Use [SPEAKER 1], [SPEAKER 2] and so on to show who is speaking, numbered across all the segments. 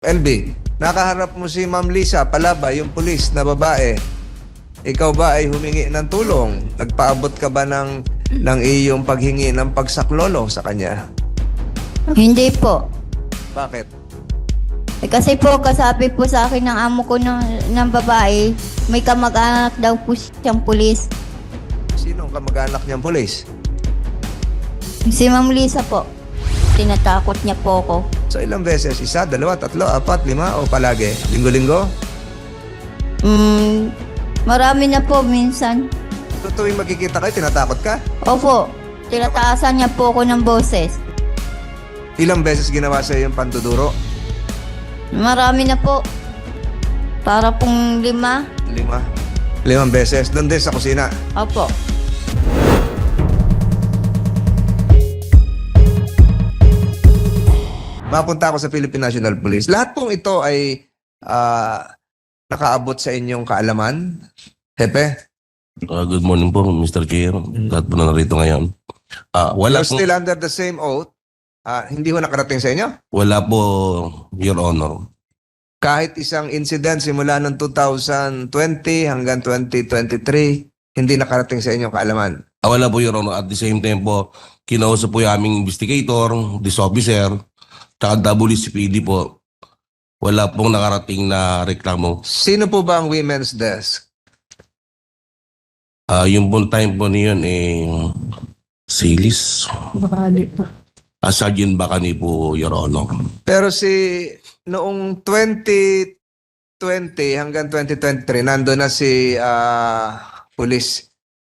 [SPEAKER 1] LB, nakaharap mo si Ma'am Lisa Palabay, yung pulis na babae. Ikaw ba ay humingi ng tulong? Nagpaabot ka ba ng iyong paghingi ng pagsaklolo sa kanya?
[SPEAKER 2] Hindi po.
[SPEAKER 1] Bakit?
[SPEAKER 2] Kasi po, kasabi po sa akin ng amo ko ng babae, may kamag-anak daw po siyang pulis.
[SPEAKER 1] Sino ang kamag-anak niyang pulis?
[SPEAKER 2] Si Ma'am Lisa po. Tinatakot niya po ako.
[SPEAKER 1] So ilang beses? Isa, dalawa, tatlo, apat, lima o palagi? Linggo-linggo?
[SPEAKER 2] Marami na po minsan.
[SPEAKER 1] So tuwing magkikita kayo, tinatakot ka?
[SPEAKER 2] Opo, tinataasan niya po ako ng boses.
[SPEAKER 1] Ilang beses ginawa sa yung panduduro?
[SPEAKER 2] Marami na po. Para pong 5.
[SPEAKER 1] Lima. 5 beses. Doon din sa kusina.
[SPEAKER 2] Opo.
[SPEAKER 1] Mapunta ako sa Philippine National Police. Lahat pong ito ay nakaabot sa inyong kaalaman. Hepe?
[SPEAKER 3] Good morning po, Mr. Chair. Lahat po na narito ngayon. Wala
[SPEAKER 1] You're
[SPEAKER 3] po,
[SPEAKER 1] still under the same oath. Hindi ho nakarating sa inyo?
[SPEAKER 3] wala po, Your Honor.
[SPEAKER 1] Kahit isang incident simula ng 2020 hanggang 2023, hindi nakarating sa inyong kaalaman.
[SPEAKER 3] Wala po, Your Honor. At the same time po, kinausap po yung aming investigator, this officer, tsaka WCPD po. Wala pong nakarating na reklamo.
[SPEAKER 1] Sino po ba ang women's desk?
[SPEAKER 3] Yung pong time po niyon, Silis.
[SPEAKER 4] Bakali po.
[SPEAKER 3] Sergeant Bacani po, Your Honor.
[SPEAKER 1] Pero noong 2020 hanggang 2023, nando na si police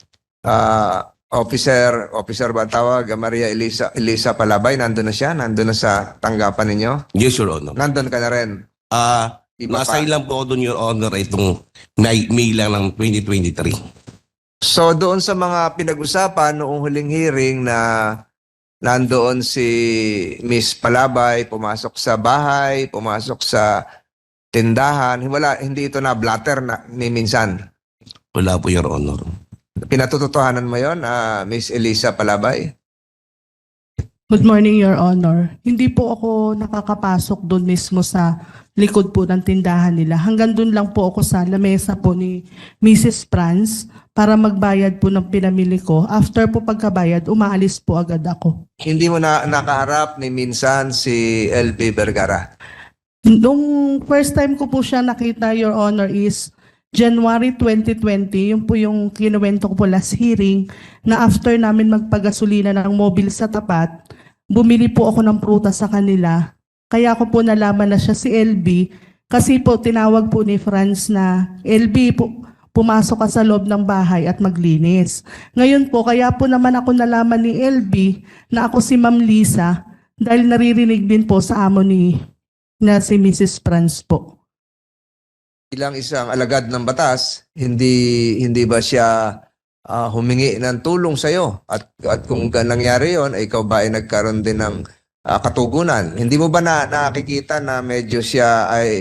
[SPEAKER 1] officer ba ang tawag? Maria Elisa Palabay, nando na siya? Nando na sa tanggapan ninyo?
[SPEAKER 3] Yes, Your Honor.
[SPEAKER 1] Nandun ka na rin? Iba pa.
[SPEAKER 3] Nasa lang po ako doon, Your Honor, itong May lang ng 2023.
[SPEAKER 1] So doon sa mga pinag-usapan noong huling hearing na nandoon si Miss Palabay, pumasok sa bahay, pumasok sa tindahan, hindi ito na blatter ni minsan.
[SPEAKER 3] Wala po, Your Honor.
[SPEAKER 1] Pinatutuhanan mo yon, Miss Elisa Palabay?
[SPEAKER 4] Good morning, Your Honor. Hindi po ako nakakapasok doon mismo sa likod po ng tindahan nila. Hanggang doon lang po ako sa lamesa po ni Mrs. Franz para magbayad po ng pinamili ko. After po pagkabayad, umaalis po agad ako.
[SPEAKER 1] Hindi mo na nakaharap ni minsan si LB Vergara?
[SPEAKER 4] Nung first time ko po siya nakita, Your Honor, is January 2020. Yun po yung kinuwento ko po last hearing na after namin magpagasolina ng mobile sa tapat, bumili po ako ng prutas sa kanila. Kaya ko po nalaman na siya si LB kasi po tinawag po ni Franz na LB po, pumasok ka sa loob ng bahay at maglinis. Ngayon po, kaya po naman ako nalaman ni LB na ako si Ma'am Lisa dahil naririnig din po sa amo na si Mrs. Franz po.
[SPEAKER 1] Bilang isang alagad ng batas, hindi ba siya humingi ng tulong sa iyo? At kung nangyari 'yon, ay ikaw ba ay nagkaroon din ng katugunan? Hindi mo ba nakikita na medyo siya ay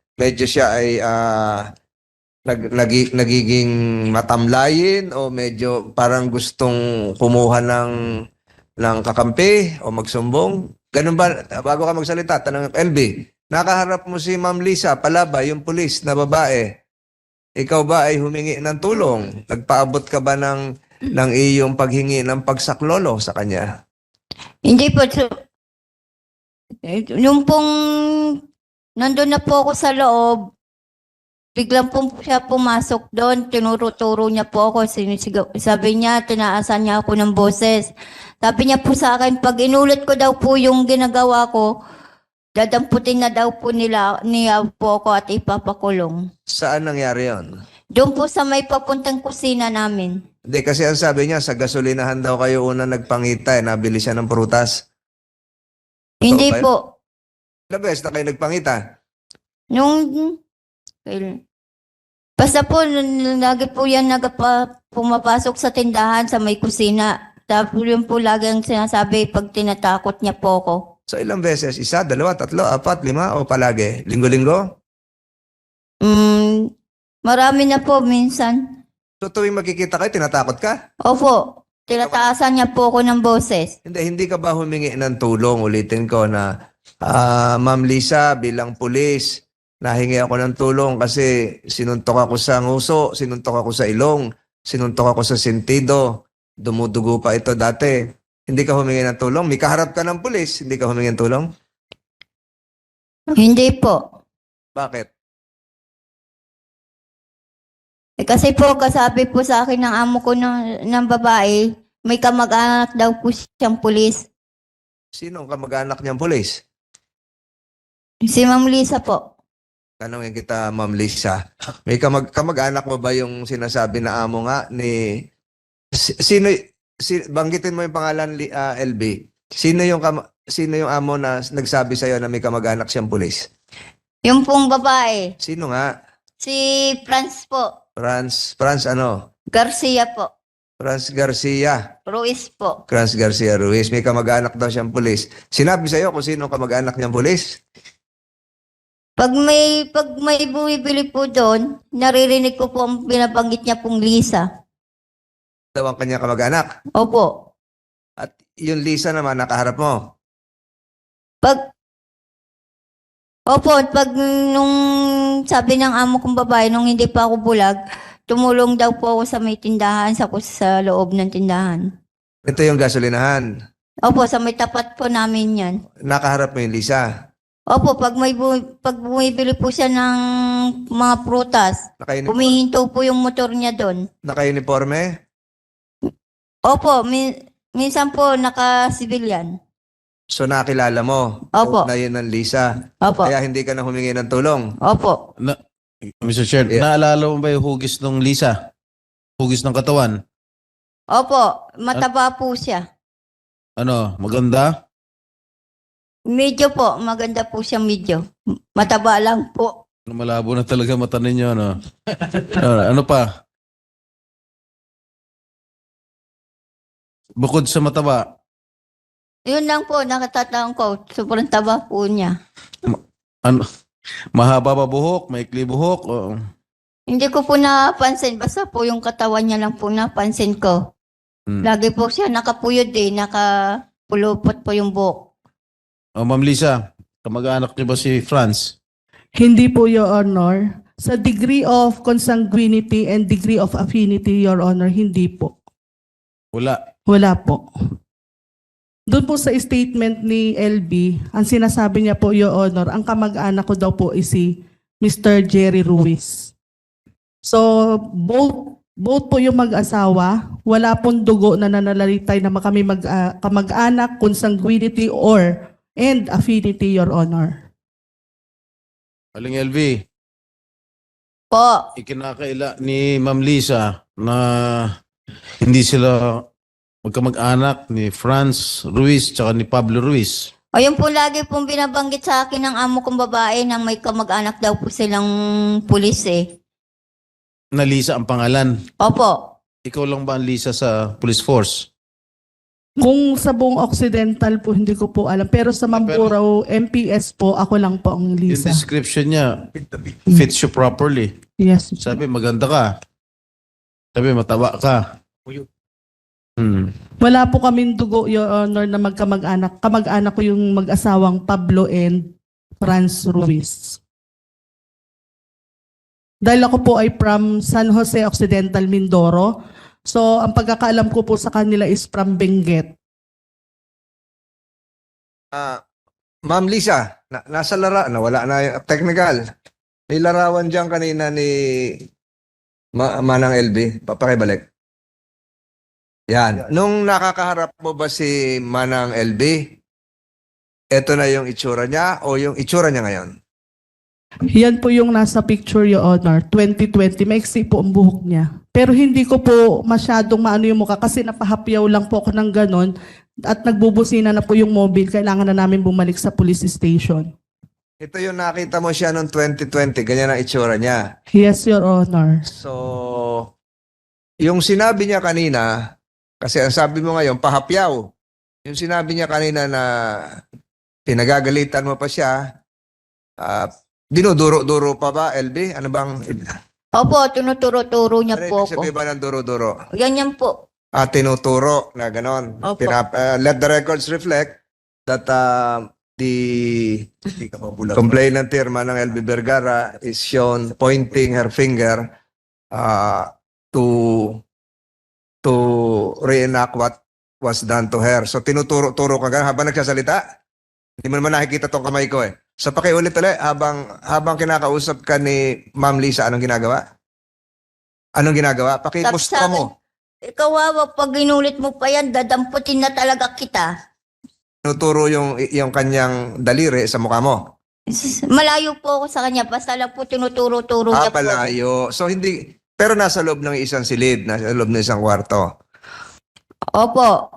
[SPEAKER 1] nagiging matamlayin o medyo parang gustong kumuha ng kakampi o magsumbong? Ganun ba? Bago ka magsalita, tanong LB. Nakaharap mo si Ma'am Lisa Palabay, yung pulis na babae. Ikaw ba ay humingi ng tulong? Nagpaabot ka ba ng iyong paghingi ng pagsaklolo sa kanya?
[SPEAKER 2] Hindi po. Yung pong nandun na po ako sa loob, biglang po siya pumasok doon, tinuro-turo niya po ako, sabi niya, tinaasan niya ako ng boses. Sabi niya po sa akin, pag inulit ko daw po yung ginagawa ko, dadamputin na daw po niya po ako at ipapakulong.
[SPEAKER 1] Saan nangyari yon?
[SPEAKER 2] Doon po sa may papuntang kusina namin.
[SPEAKER 1] Hindi, kasi ang sabi niya, sa gasolinahan daw kayo una nagpangita, nabili siya ng prutas.
[SPEAKER 2] Hindi
[SPEAKER 1] ba yun?
[SPEAKER 2] po.
[SPEAKER 1] Ilang beses na kayo nagpangita?
[SPEAKER 2] Basta po, lagi po yan pumapasok sa tindahan sa may kusina. Tapos yun po lagi ang sinasabi pag tinatakot niya po ako.
[SPEAKER 1] So ilang beses? Isa, dalawa, tatlo, apat, 5 o palagi? Linggo-linggo?
[SPEAKER 2] Marami na po minsan.
[SPEAKER 1] So tuwing magkikita kayo, tinatakot ka?
[SPEAKER 2] Opo, tinataasan niya po ako ng boses.
[SPEAKER 1] Hindi ka ba humingi ng tulong, ulitin ko, na Ma'am Lisa, bilang pulis, nahingi ako ng tulong kasi sinuntok ako sa nguso, sinuntok ako sa ilong, sinuntok ako sa sentido, dumudugo pa ito dati. Hindi ka humingi ng tulong? May kaharap ka ng pulis, hindi ka humingi ng tulong?
[SPEAKER 2] Hindi po.
[SPEAKER 1] Bakit?
[SPEAKER 2] Kasi po, kasabi po sa akin ng amo ko ng babae, may kamag-anak daw po siyang pulis.
[SPEAKER 1] Sino ang kamag-anak niyang pulis?
[SPEAKER 2] Si Ma'am Lisa po.
[SPEAKER 1] Tanungin kita, Ma'am Lisa. May kamag-anak mo ba yung sinasabi na amo nga ni... banggitin mo yung pangalan, LB. Sino yung amo na nagsabi sa'yo na may kamag-anak siyang pulis?
[SPEAKER 2] Yung pong babae,
[SPEAKER 1] Sino nga?
[SPEAKER 2] si Franz po.
[SPEAKER 1] Franz ano?
[SPEAKER 2] Garcia po.
[SPEAKER 1] Franz Garcia.
[SPEAKER 2] Ruiz po.
[SPEAKER 1] Franz Garcia Ruiz. May kamag-anak daw siyang pulis. Sinabi sa'yo kung sino ang kamag-anak niyang pulis?
[SPEAKER 2] Pag may bumibili po doon, naririnig ko po ang binabanggit niya pong Lisa.
[SPEAKER 1] Daw ang kanyang kamag-anak.
[SPEAKER 2] Opo.
[SPEAKER 1] At yung Lisa naman nakaharap mo.
[SPEAKER 2] Pag nung sabi ng amo kong babae, nung hindi pa ako bulag, tumulong daw po ako sa may tindahan, sa loob ng tindahan.
[SPEAKER 1] Ito yung gasolinahan.
[SPEAKER 2] Opo, sa may tapat po namin yan.
[SPEAKER 1] Nakaharap mo yung Lisa.
[SPEAKER 2] Opo, pag bumibili po siya ng mga prutas, humihinto po yung motor niya doon.
[SPEAKER 1] Naka-uniforme?
[SPEAKER 2] Opo, minsan po naka-civilian.
[SPEAKER 1] So nakilala mo
[SPEAKER 2] Opo.
[SPEAKER 1] na yun ang Lisa.
[SPEAKER 2] Opo.
[SPEAKER 1] Kaya hindi ka na humingi ng tulong.
[SPEAKER 2] Opo.
[SPEAKER 5] Mr. Chair,
[SPEAKER 1] Yeah.
[SPEAKER 5] naalala mo ba yung hugis ng Lisa? Hugis ng katawan?
[SPEAKER 2] Opo, mataba po siya.
[SPEAKER 5] Ano, maganda?
[SPEAKER 2] Medyo po, maganda po siya medyo. Mataba lang po.
[SPEAKER 5] Malabo na talaga mata ninyo, ano? Ano pa? Bukod sa mataba,
[SPEAKER 2] Yun lang po, nakatatanong ko. Sobrang taba po niya.
[SPEAKER 5] ano? Mahaba ba buhok? Maikli buhok? O,
[SPEAKER 2] Hindi ko po napansin. Basta po yung katawan niya lang po napansin ko.
[SPEAKER 5] Hmm.
[SPEAKER 2] Lagi po siya nakapuyod nakapulupot po yung buhok.
[SPEAKER 5] Ma'am Lisa, kamag-anak niyo ba si Franz?
[SPEAKER 4] Hindi po, Your Honor. Sa degree of consanguinity and degree of affinity, Your Honor, hindi po.
[SPEAKER 5] Wala.
[SPEAKER 4] Wala po. Doon po sa statement ni LB, ang sinasabi niya po, Your Honor, ang kamag-anak ko daw po is si Mr. Jerry Ruiz. So, both po yung mag-asawa, wala pong dugo na nananalitay na kami kamag-anak, consanguinity, and affinity, Your Honor.
[SPEAKER 5] Aling LV,
[SPEAKER 2] Po.
[SPEAKER 5] ikinakaila ni Ma'am Lisa na hindi sila magkamag-anak ni Franz Ruiz tsaka ni Pablo Ruiz.
[SPEAKER 2] O yun po lagi pong binabanggit sa akin ng amo kong babae na may kamag-anak daw po silang pulis eh.
[SPEAKER 5] Na Lisa ang pangalan.
[SPEAKER 2] Opo.
[SPEAKER 5] Ikaw lang ba ang Lisa sa police force?
[SPEAKER 4] Kung sa buong Occidental po, hindi ko po alam. Pero sa Mamburao, MPS po, ako lang po ang
[SPEAKER 5] Yung
[SPEAKER 4] Lisa.
[SPEAKER 5] description niya fits you properly.
[SPEAKER 4] Yes.
[SPEAKER 5] Sabi, maganda ka. Sabi, mataba ka.
[SPEAKER 4] Wala po kaming dugo, Your Honor, na magkamag-anak. Kamag-anak ko yung mag-asawang Pablo and Franz Ruiz. Dahil ako po ay from San Jose Occidental, Mindoro. So, ang pagkakaalam ko po sa kanila is from Benguet.
[SPEAKER 1] Ma'am Lisa, nasa wala na yung technical. May larawan dyan kanina ni Manang LB. Papakibalik. Yan. Nung nakakaharap mo ba si Manang LB, eto na yung itsura niya o yung itsura niya ngayon?
[SPEAKER 4] Yan po yung nasa picture, Your Honor. 2020, maiksi po ang buhok niya. Pero hindi ko po masyadong maano yung mukha kasi napahapyaw lang po ako ng ganon at nagbubusina na po yung mobile. Kailangan na namin bumalik sa police station.
[SPEAKER 1] Ito yung nakita mo siya noong 2020. Ganyan ang itsura niya.
[SPEAKER 4] Yes, Your Honor.
[SPEAKER 1] So, yung sinabi niya kanina, kasi ang sabi mo ngayon, pahapyaw. Yung sinabi niya kanina na pinagagalitan mo pa siya, dinuduro-duro pa ba, LB? Ano bang...
[SPEAKER 2] Opo, tinuturo-turo niya
[SPEAKER 1] Ano
[SPEAKER 2] po
[SPEAKER 1] ibig
[SPEAKER 2] ako.
[SPEAKER 1] sabihin ba ng duro-duro?
[SPEAKER 2] Yan po.
[SPEAKER 1] Tinuturo na ganon.
[SPEAKER 2] Opo.
[SPEAKER 1] Let the records reflect that the complainant here, Manang LB Vergara, is shown pointing her finger to reenact what was done to her. So tinuturo-turo ka ganun habang nagsasalita. Hindi mo naman nakikita tong kamay ko eh. So pakiulit ulit, habang kinakausap ka ni Ma'am Lisa, anong ginagawa? Anong ginagawa? Pakimustra mo.
[SPEAKER 2] Ikaw, Wawa, pag inulit mo pa yan, dadamputin na talaga kita.
[SPEAKER 1] Tinuturo yung kanyang daliri sa mukha mo.
[SPEAKER 2] Malayo po ako sa kanya, basta lang po tinuturo-turo niya po.
[SPEAKER 1] Palayo. So hindi, pero nasa loob ng isang silid, nasa loob ng isang kwarto.
[SPEAKER 2] Opo.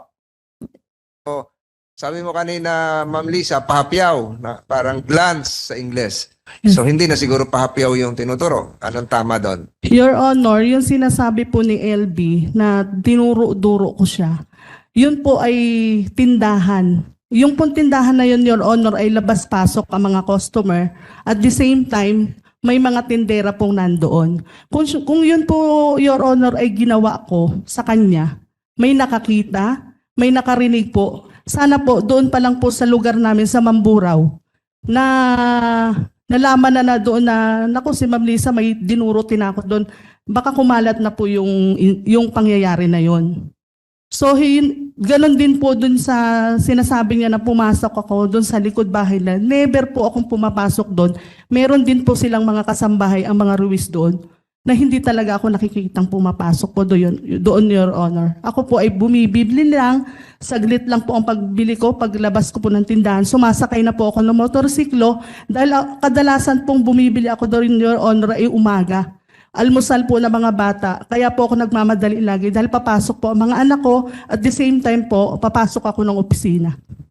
[SPEAKER 1] Sabi mo kanina, Ma'am Lisa, pahapyaw, na parang glance sa Ingles. So hindi na siguro pahapyaw yung tinuturo. Anong tama doon?
[SPEAKER 4] Your Honor, yung sinasabi po ni LB na dinuro-duro ko siya, yun po ay tindahan. Yung pong tindahan na yun, Your Honor, ay labas-pasok ang mga customer. At the same time, may mga tindera pong nandoon. Kung yun po, Your Honor, ay ginawa ko sa kanya, may nakakita, may nakarinig po. Sana po, doon pa lang po sa lugar namin sa Mamburao, na nalaman na doon na, naku, si Ma'am Lisa may dinuro tinakot doon. Baka kumalat na po yung pangyayari na yon. So, ganon din po doon sa sinasabi niya na pumasok ako doon sa likod bahay na never po akong pumapasok doon. Meron din po silang mga kasambahay, ang mga Ruiz doon, na hindi talaga ako nakikitang pumapasok po doon, Your Honor. Ako po ay bumibili lang, saglit lang po ang pagbili ko, paglabas ko po ng tindahan, sumasakay na po ako ng motorsiklo dahil kadalasan pong bumibili ako doon, Your Honor, ay umaga. Almusal po ng mga bata, kaya po ako nagmamadali lagi dahil papasok po ang mga anak ko at the same time po, papasok ako ng opisina.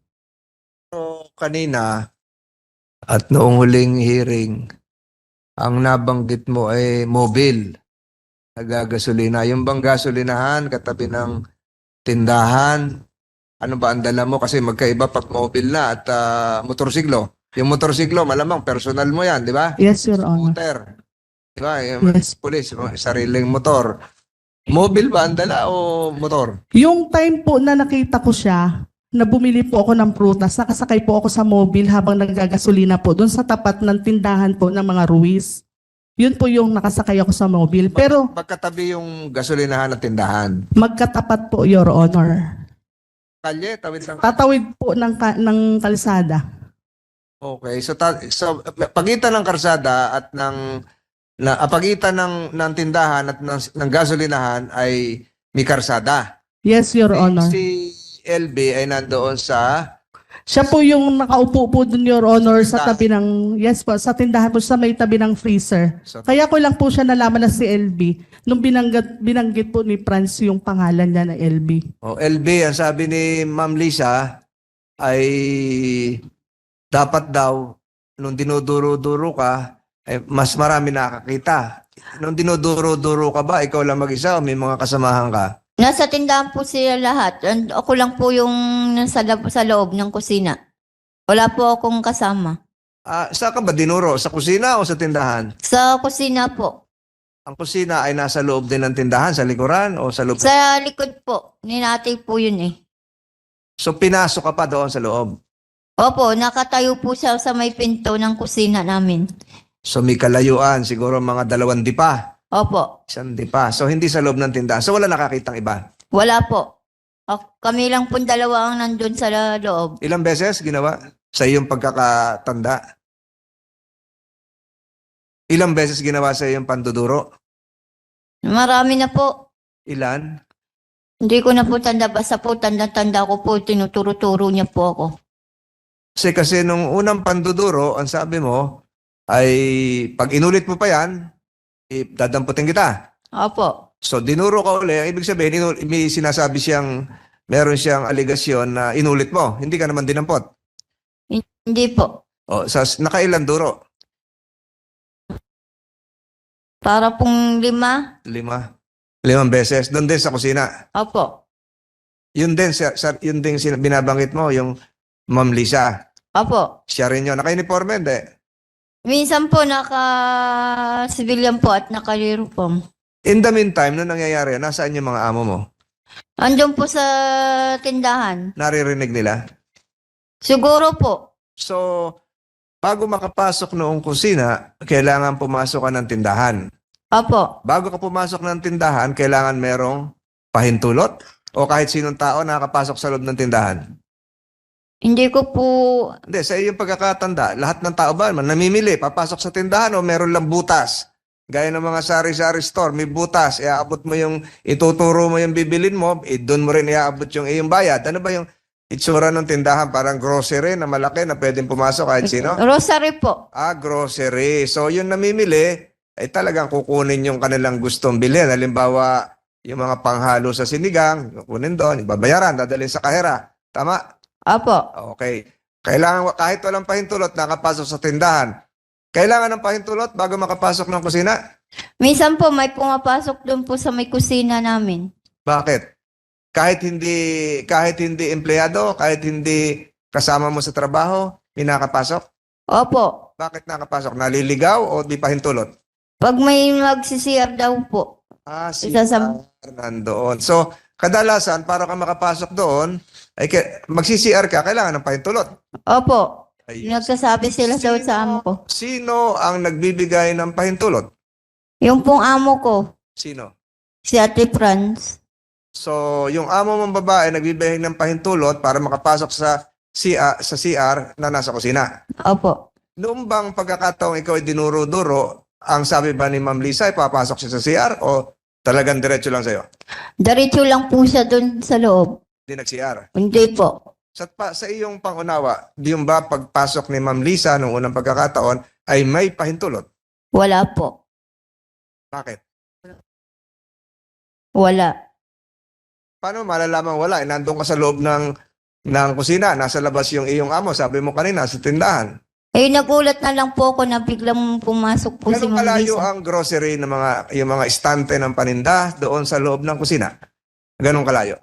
[SPEAKER 1] So, kanina, at noong huling hearing, ang nabanggit mo ay mobile, nagagasolina. Yung bang gasolinahan, katabi ng tindahan, ano ba ang dala mo? Kasi magkaiba pag mobile na at motorsiklo. Yung motorsiklo, malamang personal mo yan, di ba?
[SPEAKER 4] Yes, Your Honor.
[SPEAKER 1] Scooter. Di ba? Yung
[SPEAKER 4] Yes.
[SPEAKER 1] pulis, sariling motor. Mobile ba ang dala o motor?
[SPEAKER 4] Yung time po na nakita ko siya, na bumili po ako ng prutas, nakasakay po ako sa mobile habang naggagasolina po doon sa tapat ng tindahan po ng mga Ruiz. Yun po yung nakasakay ako sa mobile. Pero
[SPEAKER 1] Magkatabi yung gasolinahan at tindahan.
[SPEAKER 4] magkatapat po, Your Honor.
[SPEAKER 1] Kalye, tawid lang.
[SPEAKER 4] Tatawid po ng kalsada.
[SPEAKER 1] Okay, so pagitan ng karsada at pagitan ng tindahan at ng gasolinahan ay may karsada.
[SPEAKER 4] Yes, Your Honor.
[SPEAKER 1] Si LB ay nandoon sa
[SPEAKER 4] Siya po yung nakaupo po dun, Your Honor, sa tabi ng, yes po, sa tindahan po, sa may tabi ng freezer. Kaya ko lang po siya nalaman na si LB nung binanggit po ni Franz yung pangalan niya na LB.
[SPEAKER 1] LB, ang sabi ni Ma'am Lisa ay dapat daw nung dinuduro-duro ka ay mas marami nakakita. Nung dinuduro-duro ka ba, ikaw lang mag-isa o may mga kasamahan ka?
[SPEAKER 2] Nasa tindahan po sila lahat. And ako lang po yung sa loob ng kusina. Wala po akong kasama.
[SPEAKER 1] Saan ka ba dinuro? Sa kusina o sa tindahan?
[SPEAKER 2] Sa kusina po.
[SPEAKER 1] Ang kusina ay nasa loob din ng tindahan, sa likuran o sa loob?
[SPEAKER 2] Sa likod po. Ninatay po yun eh.
[SPEAKER 1] So pinasok ka pa doon sa loob?
[SPEAKER 2] Opo, nakatayo po siya sa may pinto ng kusina namin.
[SPEAKER 1] So may kalayuan, siguro mga 2 dipa.
[SPEAKER 2] Opo.
[SPEAKER 1] 1 dipa. So hindi sa loob ng tindahan. So wala nakakitang iba.
[SPEAKER 2] Wala po. Kami lang po dalawa ang nandun sa loob.
[SPEAKER 1] Ilang beses ginawa sa iyong pagkakatanda? Ilang beses ginawa sa iyong panduduro?
[SPEAKER 2] Marami na po.
[SPEAKER 1] Ilan?
[SPEAKER 2] Hindi ko na po tanda. Basta po tanda-tanda ko po. Tinuturo-turo niya po ako.
[SPEAKER 1] Kasi nung unang panduduro, ang sabi mo, ay pag inulit mo pa yan, dadamputin kita.
[SPEAKER 2] Opo.
[SPEAKER 1] So dinuro ka uli, ang ibig sabihin, may sinasabi meron siyang aligasyon na inulit mo. Hindi ka naman dinampot.
[SPEAKER 2] Hindi po.
[SPEAKER 1] Nakailan duro?
[SPEAKER 2] Para pong 5.
[SPEAKER 1] 5 beses. Doon din sa kusina.
[SPEAKER 2] Opo.
[SPEAKER 1] Yun din binabanggit mo, yung Ma'am Lisa.
[SPEAKER 2] Opo.
[SPEAKER 1] Siya rin yun. Naka-uniforme, hindi?
[SPEAKER 2] Minsan po naka-civilian po at naka-uniform.
[SPEAKER 1] In the meantime, nung nangyayari, nasaan yung mga amo mo?
[SPEAKER 2] Andun po sa tindahan.
[SPEAKER 1] Naririnig nila?
[SPEAKER 2] Siguro po.
[SPEAKER 1] So, bago makapasok noong kusina, kailangan pumasok ka ng tindahan.
[SPEAKER 2] Opo.
[SPEAKER 1] Bago ka pumasok ng tindahan, kailangan merong pahintulot o kahit sinong tao nakakapasok sa loob ng tindahan.
[SPEAKER 2] Hindi ko po,
[SPEAKER 1] Hindi, sa iyong pagkakatanda, lahat ng tao ba namimili, papasok sa tindahan o meron lang butas? Gaya ng mga sari-sari store, may butas, iaabot mo yung, ituturo mo yung bibilin mo, doon mo rin iaabot yung iyong bayad. Ano ba yung itsura ng tindahan? Parang grocery na malaki na pwedeng pumasok kahit sino?
[SPEAKER 2] rosary po.
[SPEAKER 1] Grocery. So, yung namimili, ay talagang kukunin yung kanilang gustong bilhin. Halimbawa, yung mga panghalo sa sinigang, kukunin doon, babayaran, dadalhin sa kahera. Tama?
[SPEAKER 2] Opo.
[SPEAKER 1] Okay. Kailangan, kahit walang pahintulot, nakapasok sa tindahan. Kailangan ng pahintulot bago makapasok ng kusina?
[SPEAKER 2] Minsan po may pumapasok doon po sa may kusina namin.
[SPEAKER 1] Bakit? Kahit hindi empleyado, kahit hindi kasama mo sa trabaho, may nakapasok?
[SPEAKER 2] Opo.
[SPEAKER 1] Bakit nakapasok? Naliligaw o di pahintulot?
[SPEAKER 2] Pag may magsisiyar daw po.
[SPEAKER 1] Si
[SPEAKER 2] Isasam-
[SPEAKER 1] nandoon. So, kadalasan, para ka makapasok doon, ay magsi-CR ka, kailangan ng pahintulot.
[SPEAKER 2] Opo.
[SPEAKER 1] Ay,
[SPEAKER 2] Nagsasabi sila daw sa amo ko.
[SPEAKER 1] sino ang nagbibigay ng pahintulot?
[SPEAKER 2] Yung pong amo ko,
[SPEAKER 1] Sino?
[SPEAKER 2] si Ate Franz.
[SPEAKER 1] So, yung amo mong babae nagbibigay ng pahintulot para makapasok sa CR na nasa kusina.
[SPEAKER 2] Opo.
[SPEAKER 1] Noong bang pagkakataong ikaw ay dinuro-duro, ang sabi ba ni Ma'am Lisa ay papasok siya sa CR o talagang diretso lang sa'yo?
[SPEAKER 2] Diretso lang po siya doon sa loob.
[SPEAKER 1] Hindi nag-CR.
[SPEAKER 2] Hindi po.
[SPEAKER 1] Sa iyong pangunawa, di yung ba pagpasok ni Ma'am Lisa noong unang pagkakataon ay may pahintulot?
[SPEAKER 2] Wala po.
[SPEAKER 1] Bakit?
[SPEAKER 2] Wala.
[SPEAKER 1] Paano malalaman wala? Nandun ka sa loob ng kusina, nasa labas yung iyong amo, sabi mo kanina, sa tindahan.
[SPEAKER 2] Eh, nagulat na lang po ako na biglang pumasok po si
[SPEAKER 1] Ganun
[SPEAKER 2] Ma'am
[SPEAKER 1] kalayo
[SPEAKER 2] Lisa.
[SPEAKER 1] ang grocery ng yung mga estante ng paninda doon sa loob ng kusina? Ganun kalayo.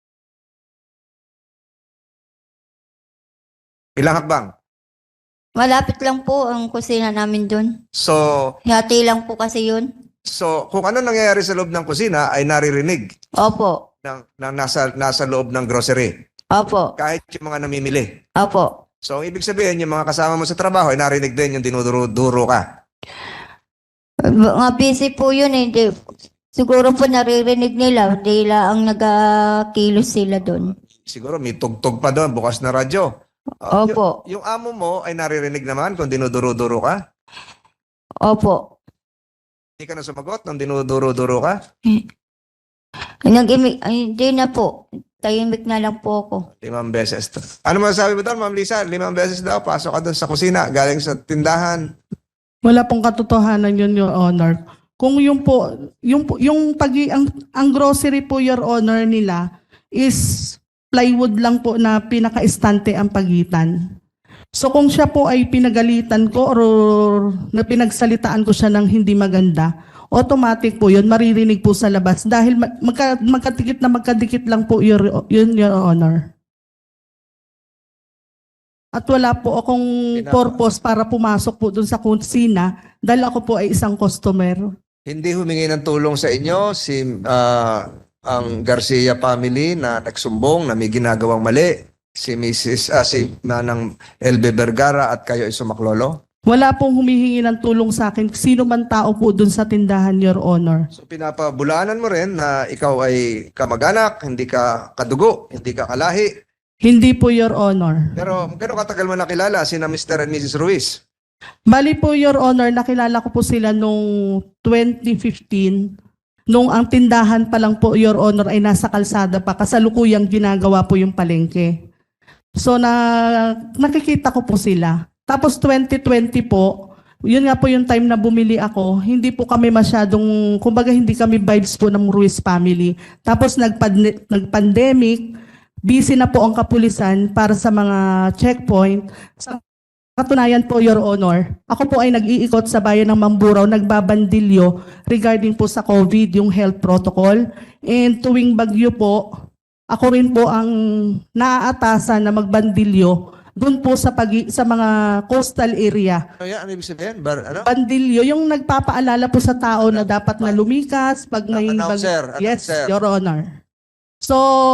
[SPEAKER 1] Ilang hakbang?
[SPEAKER 2] Malapit lang po ang kusina namin doon.
[SPEAKER 1] So,
[SPEAKER 2] Hati lang po kasi yun.
[SPEAKER 1] kung ano nangyayari sa loob ng kusina ay naririnig
[SPEAKER 2] Opo.
[SPEAKER 1] ng nasa loob ng grocery.
[SPEAKER 2] Opo.
[SPEAKER 1] Kahit yung mga namimili.
[SPEAKER 2] Opo.
[SPEAKER 1] So, ang ibig sabihin, yung mga kasama mo sa trabaho ay narinig din yung dinuduro-duro ka.
[SPEAKER 2] Mga busy po yun eh. Siguro po naririnig nila. Hindi lang ang nagakilos sila doon.
[SPEAKER 1] Siguro may tugtog pa doon, bukas na radyo.
[SPEAKER 2] Opo.
[SPEAKER 1] Yung amo mo ay naririnig naman kung dinuduro-duro ka?
[SPEAKER 2] Opo.
[SPEAKER 1] Hindi ka na sumagot nung dinuduro-duro ka?
[SPEAKER 2] Nag-imik, ay, hindi na po. Tahimik na lang po ako.
[SPEAKER 1] 5 beses. Ano masasabi mo doon, Ma'am Lisa? 5 beses daw, pasok ka doon sa kusina, galing sa tindahan.
[SPEAKER 4] Wala pong katotohanan yun, Your Honor. Kung ang grocery po, Your Honor, nila is plywood lang po na pinaka-estante ang pagitan. So kung siya po ay pinagalitan ko or na pinagsalitaan ko siya ng hindi maganda, automatic po yun, maririnig po sa labas dahil magkadikit lang po Your Honor. At wala po akong purpose para pumasok po dun sa kusina dahil ako po ay isang customer.
[SPEAKER 1] Hindi humingi ng tulong sa inyo ang Garcia family na nagsumbong na may ginagawang mali, si Manang LB Vergara at kayo ay sumaklolo?
[SPEAKER 4] Wala pong humihingi ng tulong sa akin. Sino man tao po dun sa tindahan, Your Honor.
[SPEAKER 1] So pinapabulaanan mo rin na ikaw ay kamag-anak, hindi ka kadugo, hindi ka kalahi.
[SPEAKER 4] Hindi po, Your Honor.
[SPEAKER 1] Pero gano'ng katagal mo nakilala sina Mr. and Mrs. Ruiz?
[SPEAKER 4] Bali po, Your Honor, nakilala ko po sila nung 2015. Nung ang tindahan pa lang po, Your Honor, ay nasa kalsada pa. Kasalukuyang ginagawa po yung palengke. So nakikita ko po sila. Tapos 2020 po, yun nga po yung time na bumili ako, hindi po kami masyadong, kumbaga hindi kami vibes po ng Ruiz family. Tapos nag-pandemic, busy na po ang kapulisan para sa mga checkpoint. Sa katunayan po, Your Honor, ako po ay nag-iikot sa bayan ng Mamburao, nagbabandilyo regarding po sa COVID, yung health protocol. And tuwing bagyo po, ako rin po ang naaatasan na magbandilyo doon po sa mga coastal area.
[SPEAKER 1] Ano yan? Ano ibig sabihin?
[SPEAKER 4] Bandilyo, yung nagpapaalala po sa tao na dapat na lumikas pag may
[SPEAKER 1] Announcer.
[SPEAKER 4] Yes,
[SPEAKER 1] Announcer.
[SPEAKER 4] Your Honor. So,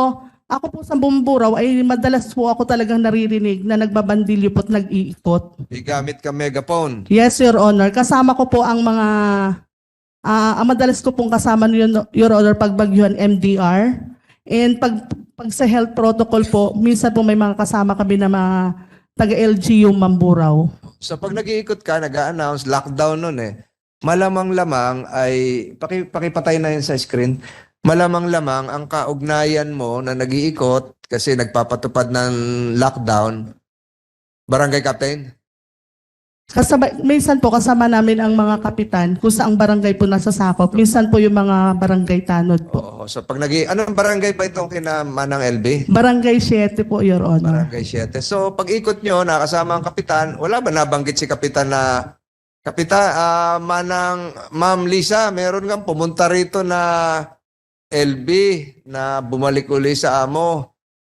[SPEAKER 4] Ako po sa Bumburaw ay madalas po ako talagang naririnig na nagbabandilyo po at nag-iikot.
[SPEAKER 1] Gamit ka megaphone.
[SPEAKER 4] Yes, Your Honor. Kasama ko po ang mga, ang madalas ko pong kasama Your Honor, pagbagyuhan MDR. And pag sa health protocol po, minsan po may mga kasama kami na mga taga-LGU Mamburao.
[SPEAKER 1] So pag nag-iikot ka, nag-a-announce, lockdown nun eh. Malamang-lamang ay, pakipatay na yun sa screen, malamang-lamang ang kaugnayan mo na nag-iikot kasi nagpapatupad ng lockdown, barangay captain?
[SPEAKER 4] Minsan po kasama namin ang mga kapitan kung saang barangay po nasasakop. Minsan po yung mga barangay tanod po.
[SPEAKER 1] Oo. So pag anong barangay pa itong kina Manang LB?
[SPEAKER 4] Barangay 7 po, Your Honor.
[SPEAKER 1] Barangay 7. So pag ikot nyo, nakasama ang kapitan, wala ba nabanggit si kapitan na, Kapitan, Ma'am Lisa, meron kang pumunta rito na LB na bumalik uli sa amo.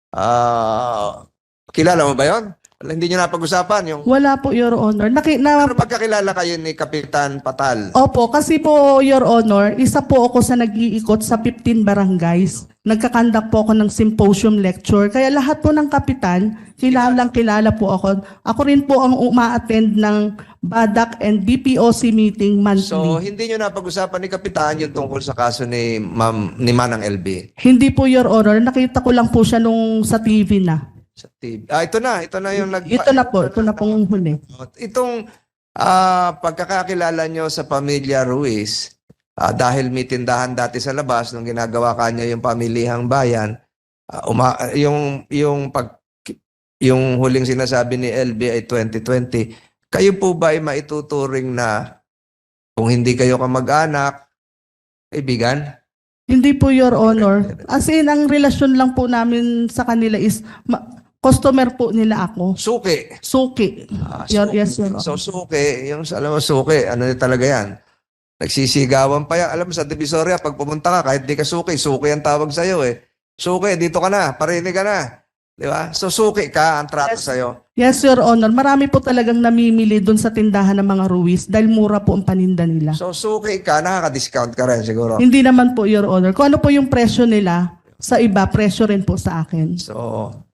[SPEAKER 1] Kilala mo ba yon? Hindi nyo napag-usapan yung...
[SPEAKER 4] Wala po, Your Honor.
[SPEAKER 1] Ano pagkakilala kayo ni Kapitan Patal?
[SPEAKER 4] Opo, kasi po, Your Honor, isa po ako sa nag-iikot sa 15 barangays. Nagkakandak po ako ng symposium lecture. Kaya lahat po ng kapitan, kilala po ako. Ako rin po ang uma-attend ng BADAC and BPOC meeting
[SPEAKER 1] So,
[SPEAKER 4] monthly.
[SPEAKER 1] hindi nyo napag-usapan ni Kapitan yung tungkol sa kaso ni Manang LB?
[SPEAKER 4] Hindi po, Your Honor. Nakita ko lang po siya nung sa TV na.
[SPEAKER 1] Sa TV. Ito na yung
[SPEAKER 4] Ito na pong huli.
[SPEAKER 1] Itong pagkakakilala nyo sa pamilya Ruiz, dahil may tindahan dati sa labas nung ginagawa kanya yung pamilihang bayan, yung huling sinasabi ni LB ay 2020, kayo po ba ay maituturing na kung hindi kayo kamag-anak, kaibigan?
[SPEAKER 4] Hindi po, Your Honor. As in, ang relasyon lang po namin sa kanila is customer po nila ako.
[SPEAKER 1] Suki.
[SPEAKER 4] Suki. Yes, Your Honor.
[SPEAKER 1] So suki, alam mo suki, ano yun talaga yan? Nagsisigawan pa yan. Alam mo sa Divisoria, pag pumunta ka, kahit di ka suki, suki ang tawag sa'yo eh. Suki, dito ka na, parinig ka na. Di ba? So suki ka, ang trato sa'yo.
[SPEAKER 4] Yes, Your Honor. Marami po talagang namimili doon sa tindahan ng mga Ruiz dahil mura po ang paninda nila.
[SPEAKER 1] So suki ka, nakaka-discount ka rin siguro.
[SPEAKER 4] Hindi naman po, Your Honor. Kung ano po yung presyo nila, sa iba, presyo rin po sa akin.
[SPEAKER 1] So,